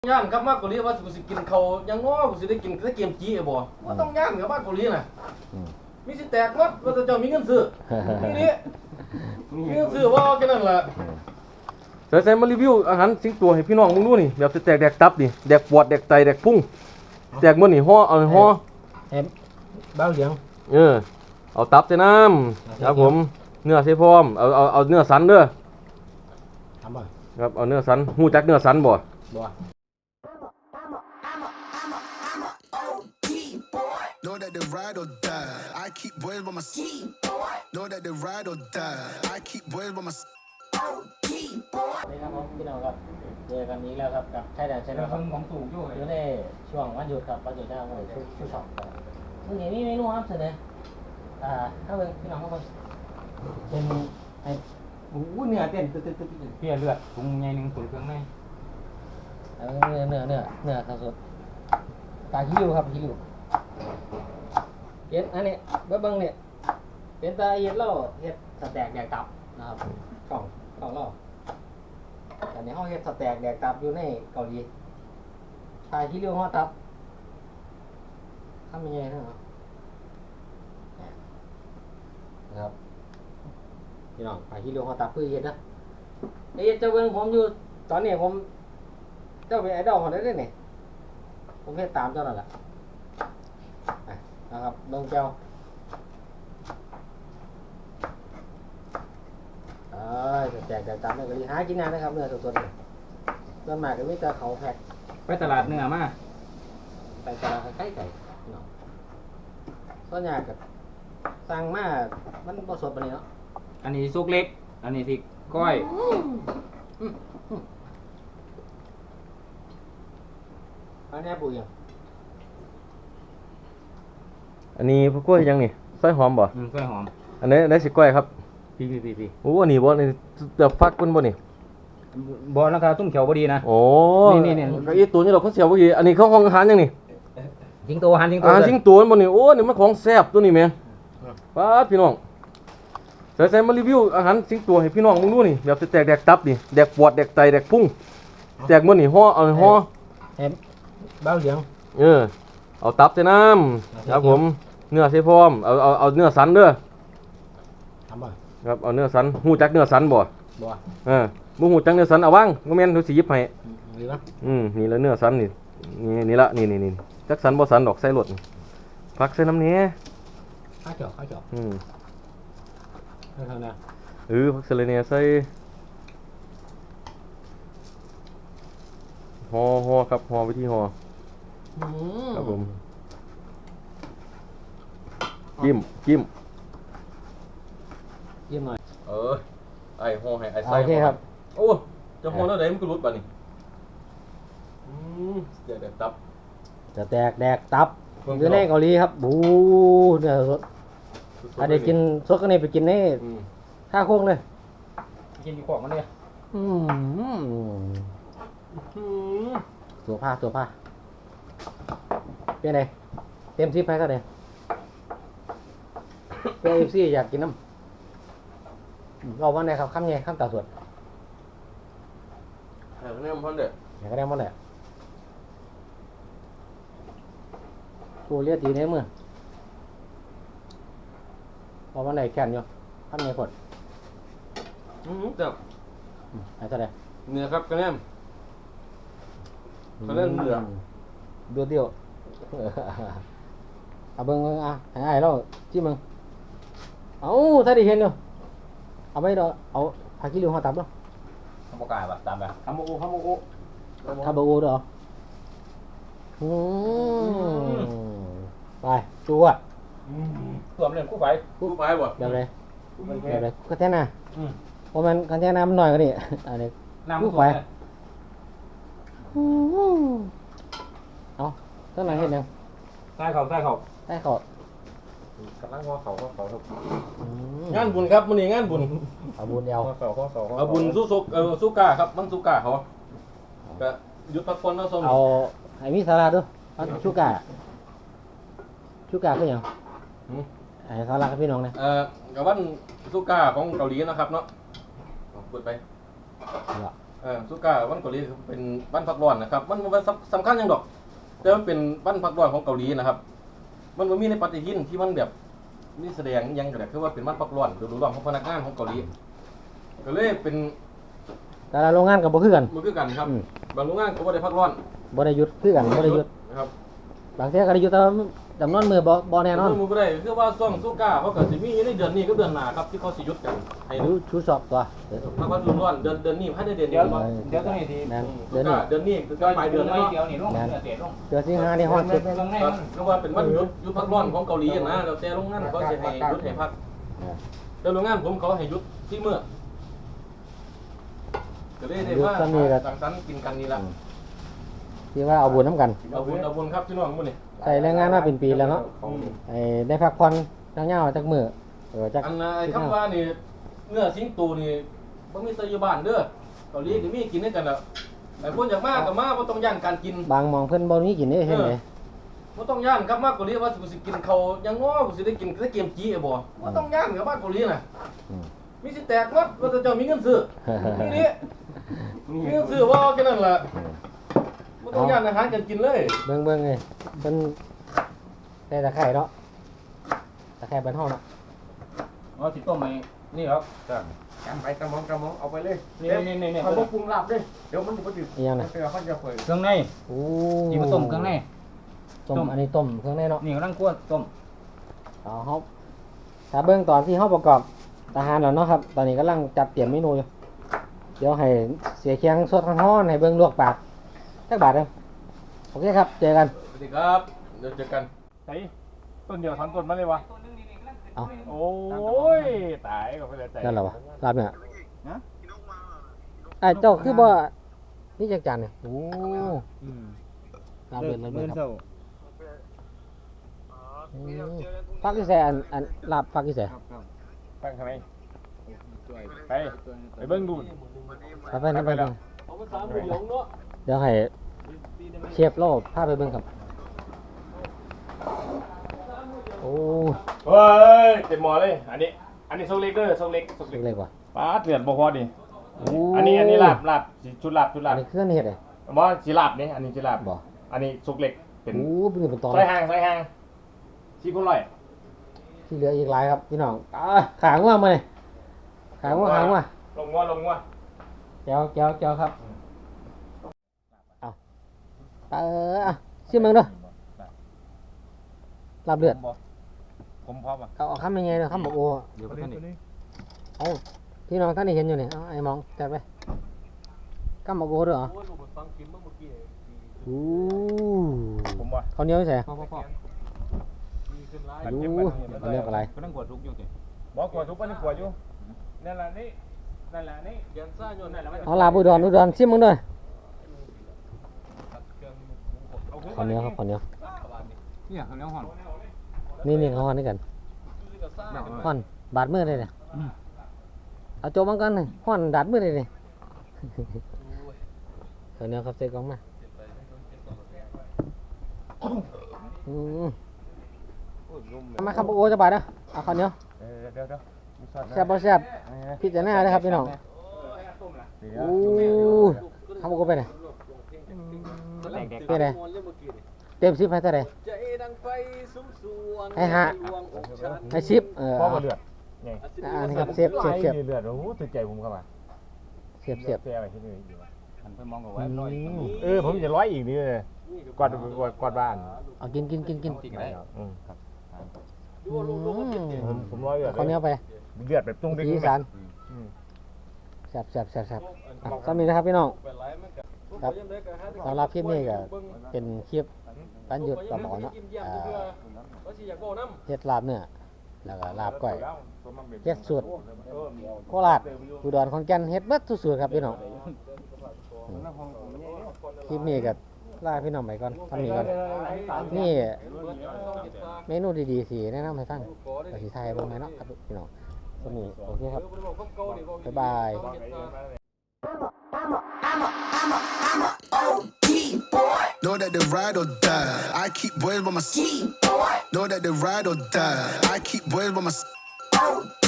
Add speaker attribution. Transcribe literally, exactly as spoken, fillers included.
Speaker 1: ย่านครับมากกว่านี้ว่ากูสิกินเขายังง้อกูสิได้กินแค่เกมจีบ่ว่าต้องย่านกับมากกว่านี้น่ะมีสิแตกวัดว่าจะเจ้ามีเงินซื้อนี่นี่มีเงินซื้อว่าแค่นั้นแหละใส่ใส่มารีวิวอาหารสิงตัวให้พี่น้องมึงดูนี่แบบสิแตกแดกตับนี่แดกปวดแดกไตแดกพุงแตกมื้อนี่ห่อเอาห่อ
Speaker 2: เอ็มบ้าเหลียง
Speaker 1: เออเอาตับใส่น้ำครับผมเนื้อใส่พร้อมเอาเอาเอาเนื้อสันเด้อ
Speaker 2: ทำบ่
Speaker 1: ครับเอาเนื้อสันฮู้จักเนื้อสันบ่
Speaker 2: บ่
Speaker 3: Know that they ride or die. I keep boys by my side. Know that they ride or die. I keep boys by my side.
Speaker 2: นี่ครับผมพี่น้องครับเจอกันนี้แล้วครับกับชายแดนชายแดนครับของสูงอยู่อยู่ในช่วงวันหยุดครับวันหยุดหน้าวันหยุดชูช็อปครับซึ่งอย่างนี้เมนูครับเสนออ่าถ้าเป็นพี่น้องครับเป็นไอ้โอ้เนื้อเต้นตึ๊ดตึ๊ดตึ๊ด
Speaker 4: เพี้ยเลือดปรุงใหญ่หนึ่งตุ๋นเครื่องใน
Speaker 2: เออเนื้อเนื้อเนื้อเนื้อครับสดปลาคิริวครับคิริวเห็ดอันนี้เบิ้งเบิ้งเนี่ยเป็นตาเห็ดเล่าเห็ดสแต็กแดกตับนะครับกล่องกล่องเล่าแต่ในห้องเห็ดสแต็กแดกตับอยู่ในเกาหลีปลาคิริวห่อตับทำยังไงนะครับนะครับพี่น้องปลาคิริวห่อตับเพื่อเห็ดนะไอ้เห็ดเจ้าเบิ้งผมอยู่ตอนนี้ผมเจ้าเป็นไอดอลของได้เลยเนี่ยผมเฮ็ดตามเจ้านั่นแหละนะครับเบิ่งเจ้าเอ้ยแจกแต่ตามเนื้อกะหรี่หากินนานนะครับเนื้อสดๆเนี่ยส่วนมากก็มีแต่เขาแพ็ค
Speaker 4: ไปตลาดเนื้อมา
Speaker 2: ไปตลาดใกล้ไก่เนาะส่วนใหญ่ก็สั่งมามันบ่สดปานนี้เนาะ
Speaker 4: อันนี้ซุกเล็กอันนี้ที่ก้อย
Speaker 2: อันนี้ปุ๋ยอ่ะ
Speaker 1: อันนี้พวกกล้วยยังนี่ซอยหอมบ่
Speaker 4: อืมกล้วยหอม
Speaker 1: อันนี้ได้สิกล้วยครับ
Speaker 4: พี่พี่พี่พี่
Speaker 1: โอ้อันนี้บ่นี่เดือบฟักมันบ่นี่
Speaker 4: บ่ราคาตุ้มเขียวบ่ดีนะ
Speaker 1: โอ้
Speaker 4: นี่นี่
Speaker 1: ก็อีตัวนี้เราเขาเสียบ่ดีอันนี้เขาห้องอาหารยังนี่
Speaker 4: สิงโตหันสิงโต
Speaker 1: อาหารสิงโตมันบ่นี่โอ้นี่มันของแซ่บตัวนี้แม่ป๊าดพี่น้องใส่ใส่มารีวิวอาหารสิงโตให้พี่น้องมึงดูนี่แบบสิแตกแดกตับนี่แดกปวดแดกไตแดกพุงแตกมื้อนี่ห่อเอาห่อ
Speaker 2: เอ็มบ้าเหลียง
Speaker 1: เออเอาตับใส่น้ำครับผมเนื้อใส่พร้อมเอาเอาเอาเนื้อสันเด้อ
Speaker 2: ทำบ่
Speaker 1: ครับเอาเนื้อสันฮู้จักเนื้อสันบ่
Speaker 2: บ่
Speaker 1: เออบ่ฮู้จักเนื้อสันเอาวางบ่แม่นเขาสิหยิบให้
Speaker 2: นี่ล่ะ
Speaker 1: อืมนี่ละเนื้อสันนี่นี่นี่ละนี่นี่นี่จักสันบ่สันดอกใส่รถผักใส่น้ำแหน่
Speaker 2: ข้าวเจาะข้าวเจาะ
Speaker 1: อืม
Speaker 2: เท่านั้น
Speaker 1: เออผักใส่เลยเนี่ยใส่ห่อห่อครับห่อวิธีห่อครับผมจิ้มจิ้ม
Speaker 2: ยิ้มหน่อย
Speaker 1: เออไอ้ห่อให้ไอ้ใส่
Speaker 2: โอเคครับ
Speaker 1: โอ้จะห่อแล้วได้มันก็รุดบัดนี้อืมเดี๋ยวเดี๋ยวตับ
Speaker 2: จะแตกแดกตับอยู่ในเกาหลีครับบูเนื้อสดอันนี้กินสดก็นี่ไปกินในท่าโค้งเลย
Speaker 4: กินอยู่ของมันเลย
Speaker 2: อืมตัวผ้าตัวผ้าเป็นไงเต็มที่ไปก็ได้เอฟซีอยากกินน้ำเราวันไหนครับคำไงคำตาสวด
Speaker 1: อยากได้มันพันเด็ด
Speaker 2: อยากได้หมดเลยกูเรียกตีในมือเราวันไหนแข่งอยู่คำไงกด
Speaker 1: อืมจับ
Speaker 2: ไอ้เท่าไหร่
Speaker 1: เนื้อครับกระแนมกระแนมเนื้อ
Speaker 2: เดือดเดียวเอาเบิ้งอ่ะไอ้ไอ้เราจี้มึงเอาถ้าได้เห็นเนาะเอาไปเนาะเอาผักขี้ริ้วห่อตับเนาะ
Speaker 4: ทำโอกาสแบบตามแบบ
Speaker 1: ทำโมโอทำโมโอ
Speaker 2: ทำโมโอเด้ออืมไปจูอ่ะ
Speaker 4: ตัวมันเล่นคู่ไฟ
Speaker 1: คู่ไฟบ่
Speaker 2: แบบไรแบบไรก็แท่น่ะเพราะมันกันแท่น้ำมันหน่อยก็นี่อันนี้คู่ไฟเอาเท่าไหร่เห็นยัง
Speaker 4: ใต้เขาใต้เขา
Speaker 2: ใต้เขา
Speaker 4: กำลังหัวเขาหัวเขาครับ
Speaker 1: งานบุญครับมื้อนี้งานบุญ
Speaker 2: เอาบุญเดียว
Speaker 4: หัวเขาหัวเขา
Speaker 1: เอาบุญสู้สุกเออสู้กาครับมันสู้กาเขาก็หยุดพักผ่อนเนาะส้ม
Speaker 2: เอาให้มีสาระด้วยเอาชูกาชูกาคือหยังให้สาระกับพี่น้องเนี่ย
Speaker 1: เอ่อกับวันสู้กาของเกาหลีนะครับเนาะเปิดไปเออสุก้าวันเกาหลีเป็นวันพักร้อนนะครับมันมันสำคัญยังดอกแต่มันเป็นวันพักร้อนของเกาหลีนะครับมันบ่มีในปฏิทินที่มันแบบนี่แสดงยังแบบคือว่าเป็นวันพักร้อนฤดูร้อนของพนักงานของเกาหลีก็เลยเป็น
Speaker 2: แต่ละโรงงานก็บ่คือกัน
Speaker 1: มันคือกันครับบางโรงงานก็บ่ได้พักร้อน
Speaker 2: บ่ได้หยุดคือกันบ่ได้หยุด
Speaker 1: นะครับ
Speaker 2: บางเที่ยก็ได้หยุดแต่ว่าจำนวนมือบ่บ่แน่นอน
Speaker 1: มันบ่ได้คือว่าซ่องสุก้าเขาก็สิมีอยู่ในเดือนนี้กับเดือนหน้าครับที่เขาสิหยุดกันให้
Speaker 2: รู้ชูสอบตัว
Speaker 1: พักวันฤดูร้อนเดือนเดือนนี้ภายในเดือน
Speaker 4: เดี๋
Speaker 1: นี้
Speaker 4: ยว
Speaker 1: บ่
Speaker 4: เดี๋ยวต้องให้ที
Speaker 2: แม่น
Speaker 1: สุ
Speaker 2: เดือนนี้
Speaker 1: ก้าเดือนนี้คือปลายเดือนแล้ว
Speaker 4: เดี๋ยวนี่ลงเดี๋ยวลง
Speaker 2: เดือนสิงหานี่ฮอดสุด
Speaker 4: ลงใน
Speaker 1: ค
Speaker 4: มั
Speaker 1: รับ
Speaker 4: น
Speaker 1: เพราะว่าเป็นวันหยุดหยุดพักร้อนของเกาหลีนะแล้วแต่โรงงานเขาสิให้หยุดให้พักแต่โรงงานผมเขาให้หยุดที่มื้อก็เลยได้ว่าสังสรรค์กินกันนี่ล่ะ
Speaker 2: ที่ว่าเอาบุญน้ำกัน
Speaker 1: เอาบุญเอาบุญครับพี่น้องมื้อนี้
Speaker 2: ใส่แรงงานมาเป็นปีแล้วเนาะไอ้ได้พักผ่อนจังยาวจักมื้อเออจัก
Speaker 1: อันน่ะไอ้คำว่านี่เนื้อสิงโตนี่บ่มีแต่อยู่บ้านเด้อเกาหลีก็มีกินด้วยกันแล้วไอ้คนอยากมาก็มาบ่ต้องย่านการกิน
Speaker 2: บางหมองเพิ่นบ่มีกินได้เฮ็ดได
Speaker 1: บ่ต้องย่านครับมาเกาหลีว่ากูสิกินข้าวยังง้อกูสิได้กินแต่เกมจีบ่บ่ต้องย่านกับมาเกาหลีน่ะมีสิแตกหมดว่าแต่เจ้ามีเงินซื้อนี่นี่มีเงินซื้อบ่แค่นั้นล่ะบ่ต้องย่านอาหารกันกินเลย
Speaker 2: เบิ่งเบิ่งเลยเพิ่นได้ตะไคร้เนาะตะไคร้บ้านเฮาเนาะ
Speaker 4: อ๋อสิต้มไหมนี่ครับ
Speaker 5: การไปกระมองกระมองเอาไปเลย
Speaker 4: นี่นี่นี่นี่
Speaker 5: เขาบอกปรุงลาบเลยเดี๋ยวมันจะไปติด
Speaker 2: อีหยัง
Speaker 5: มั
Speaker 2: น่ะ
Speaker 5: นเป็นเขาจะเผย
Speaker 4: เครื่องใน
Speaker 2: โอ้
Speaker 4: ที่มาต้มเครื่องใน
Speaker 2: ต้มอันนี้ต้มเครื่องในเนาะ
Speaker 4: นี่กำลังคั่วต้ม
Speaker 2: เอาเฮาถ้าเบิ่งตอนที่เฮาประกอบอาหารแล้วเนาะครับ ตอนนี้กำลังจัดเตรียมเมนูอยู่เดี๋ยวให้เสียเคียงสดร้อนๆให้เบิ่งลวกปากจักบาทเด้อโอเคครับเจอกัน
Speaker 1: สวัสดีครับเดี๋ยวเจอกัน
Speaker 5: ไอ้ต้นเดียวทั้งต้นมาเลยวะ
Speaker 2: เอา
Speaker 5: โอ้ยตายก็ไปเลยใจ
Speaker 2: นั่นแหละวะลาบเนี่ยไอ้เจ้าคือบ่นี่จักจานเนี่ยโอ้ลาบเดือนลาบเดือนครับอืมฟักที่ใส่อันอันลาบฟักที่ใส่
Speaker 5: ตั้งทำไมไปไปเบิ้งดู
Speaker 2: ไปไปนั่นไปไป
Speaker 1: เอาภาษาหมู่หลงเนาะ
Speaker 2: เดี๋ยวให้เชฟโลพาไปเบิ่งครับโอ้
Speaker 5: เฮ้ยเต็มหมอเลยอันนี้อันนี้โซเล็กเด้อโซเล็กโซ
Speaker 2: เล็
Speaker 5: เล็
Speaker 2: ก
Speaker 5: ก
Speaker 2: เล็กว่ะ
Speaker 5: ป้าเถื่อนบ่พอดิ
Speaker 2: โอ้
Speaker 5: อันนี้อันนี้ลาบลาบชุดลาบชุด
Speaker 2: อั
Speaker 5: ลาน บ
Speaker 2: นี้เครื่องเฮ็ดเลย
Speaker 5: บ่สิลาบนี่อันนี้สิลาบ
Speaker 2: บ่
Speaker 5: อันนี้สุกเล็กเป็น
Speaker 2: โอ้เป็นเป็นตอน
Speaker 5: ซอยห่างซอยห่างสี่คนร้อย
Speaker 2: ที่เหลืออีกหลายครับพี่น้องอ่าขางว่ามาเลยขางว่าขางว่า
Speaker 5: ลงงัวลงงัว
Speaker 2: แก้วแก้วแก้วครับเอาเอออ่ะชิมมึงด้วยลาบเลือด
Speaker 5: ผมพร้อมอ่ะ
Speaker 2: เอาเอาคำยังไงเนาะคำบอกโอ้
Speaker 5: เดี๋ยวไปท่านนี่
Speaker 2: เอาพี่น้องท่านนี่เห็นอยู่นี่เอาไอ้มองจัดไปคำบอกโอ้ด้วยเหรอ
Speaker 1: โอ้ยลูกฟังกินเมื่อกี้
Speaker 2: โอ้
Speaker 5: ผมว่า
Speaker 2: เขาวเหนียวใส่
Speaker 5: พ่อพ่อพ่อ
Speaker 1: ดีขึ้นหลาย
Speaker 2: โอ้เขาเรียกอะไร
Speaker 4: ก็ต้องกดทุกอยู่สิ
Speaker 5: บอกกวดทุกปันนี่กวดอยู่นั่นแหละนี่นั่นแหละนี่
Speaker 1: ยันซ่าโยนนั่นแหละ
Speaker 2: เอาลาบอุดรอุดรชิมมึงด้วยข้าวเหนียวครับข้าวเหนียว
Speaker 4: เนี่ยข้าวเหนียวห่อน
Speaker 2: นี่นี่เขาห่อนด้วยกันห่อนบาดมือเลยเนี่ยเอาโจมังกันเลยห่อนดาดมือเลยเนี่ยข้าวเหนียวครับเซ็กกองมาอืมมาครับโอ้จะบาดนะเอาข้าวเหนียว
Speaker 5: เดี๋ยวเดี๋ยวเดี๋ยว
Speaker 2: แซ่บบ่แซ่บพิจารณาเลยครับพี่น้องโอ้ทำโอ้ไปไหนไปไหนเต็มสิบให้เท่าไหร่ให้ห้าให้สิบเออ
Speaker 5: พ่อมาเลือดไง
Speaker 2: อันนี้ครับเสียบเสียบเสียบ
Speaker 5: เลือดโอ้โหถึงใจผมเข้ามา
Speaker 2: เสียบเสียบ
Speaker 5: เสียบอะไรที่นี่ดีวะ
Speaker 4: หันไปมองกับว่าร้อย
Speaker 5: เออผมจะร้อยอีกนี่เลยกวาดกวาดกวาดบ้าน
Speaker 2: เอากินกินกินกิน
Speaker 5: อืม
Speaker 2: อืม
Speaker 5: ผมผมร้อยเลือด
Speaker 2: ข้าวเหนียวไป
Speaker 5: เลือดแบบตุ้งดิ้ง
Speaker 2: สีสันแซ่บแซ่บแซ่บแซ่บอ่ะสำนีนะครับพี่น้องครับสำหรับคลิปนี้ก็เป็นคลิปการหยุดต่อหมอเนาะอ่าเฮ็ดลาบเนื้อแล้วก็ลาบก้อยเฮ็ดสูตรโคราชอุดรขอนแก่นเฮ็ดเบิดทุกสูตรครับพี่น้องอืมคลิปนี้ก็ลาพี่น้องไปก่อนทำนี้ก่อนนี่เมนูดีๆสิแนะนำให้ฟังก็สิถ่ายเบิ่งไหมเนาะครับพี่น้องสำนี้โอเคครับบ๊ายบาย
Speaker 3: Know that they ride or die. I keep boys by my side. Know that they ride or die. I keep boys by my side.